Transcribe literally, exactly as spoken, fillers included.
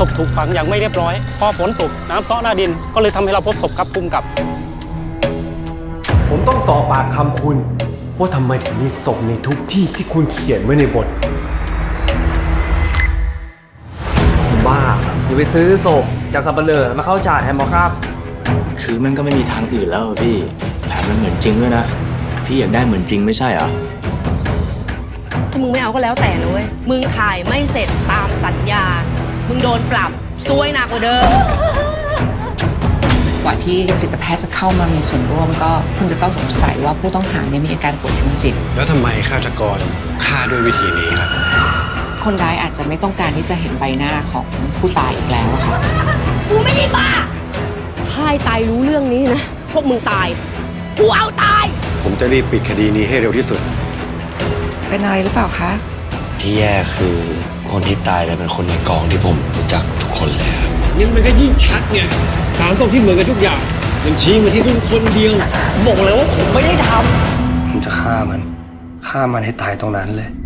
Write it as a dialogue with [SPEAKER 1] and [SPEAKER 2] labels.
[SPEAKER 1] พถูกฝังอย่างไม่เรียบร้อยพอฝนตกน้ำซ้อหน้าดินก็เลยทำให้เราพบศพครับภูมิกับ
[SPEAKER 2] ผมต้องสอบปากคำคุณว่าทำไมถึงมีศพในทุกที่ที่คุณเขียนไว้ในบทบ้าอย่าไปซื้อศพจากสับเปลือมาเข้าจ่าแทนหมอครับ
[SPEAKER 3] คือมันก็ไม่มีทางอื่นแล้วพี่แถมมันเหมือนจริงด้วยนะพี่อยากได้เหมือนจริงไม่ใช่เหรอ
[SPEAKER 4] ถ้ามึงไม่เอาก็แล้วแต่นะเว้ยมึงถ่ายไม่เสร็จตามสัญญามึงโดนปรับซวยหนักกว่าเดิม
[SPEAKER 5] กว่าที่จิตแพทย์จะเข้ามามีส่วนร่วมก็คงจะต้องสงสัยว่าผู้ต้องหาเนี่ยมีอาการป่วยทางจิต
[SPEAKER 6] แล้วทำไมฆาตกรฆ่าด้วยวิธีนี้ครับ
[SPEAKER 5] คนร้ายอาจจะไม่ต้องการที่จะเห็นใบหน้าของผู้ตายอีกแล้วค่ะ
[SPEAKER 4] กูไม่ได้บ้าถ้าตายรู้เรื่องนี้นะพวกมึงตายกูเอาตาย
[SPEAKER 6] ผมจะรีบปิดคดีนี้ให้เร็วที่สุด
[SPEAKER 5] เป็นอะไรหรือเปล่าคะ
[SPEAKER 3] ที่แย่คือคนที่ตายแต่เป็นคนในกองที่ผมรู้จักทุกคนเลยครับ
[SPEAKER 6] ยิ่งมันก็ยิ่งชัดไงสารส้มที่เหมือนกันทุกอย่างมันชี้มาที่คุณคนเดียว
[SPEAKER 2] บอกเลยว่าผมไม่ได้ท
[SPEAKER 7] ำผมจะฆ่ามันฆ่ามันให้ตายตรงนั้นเลย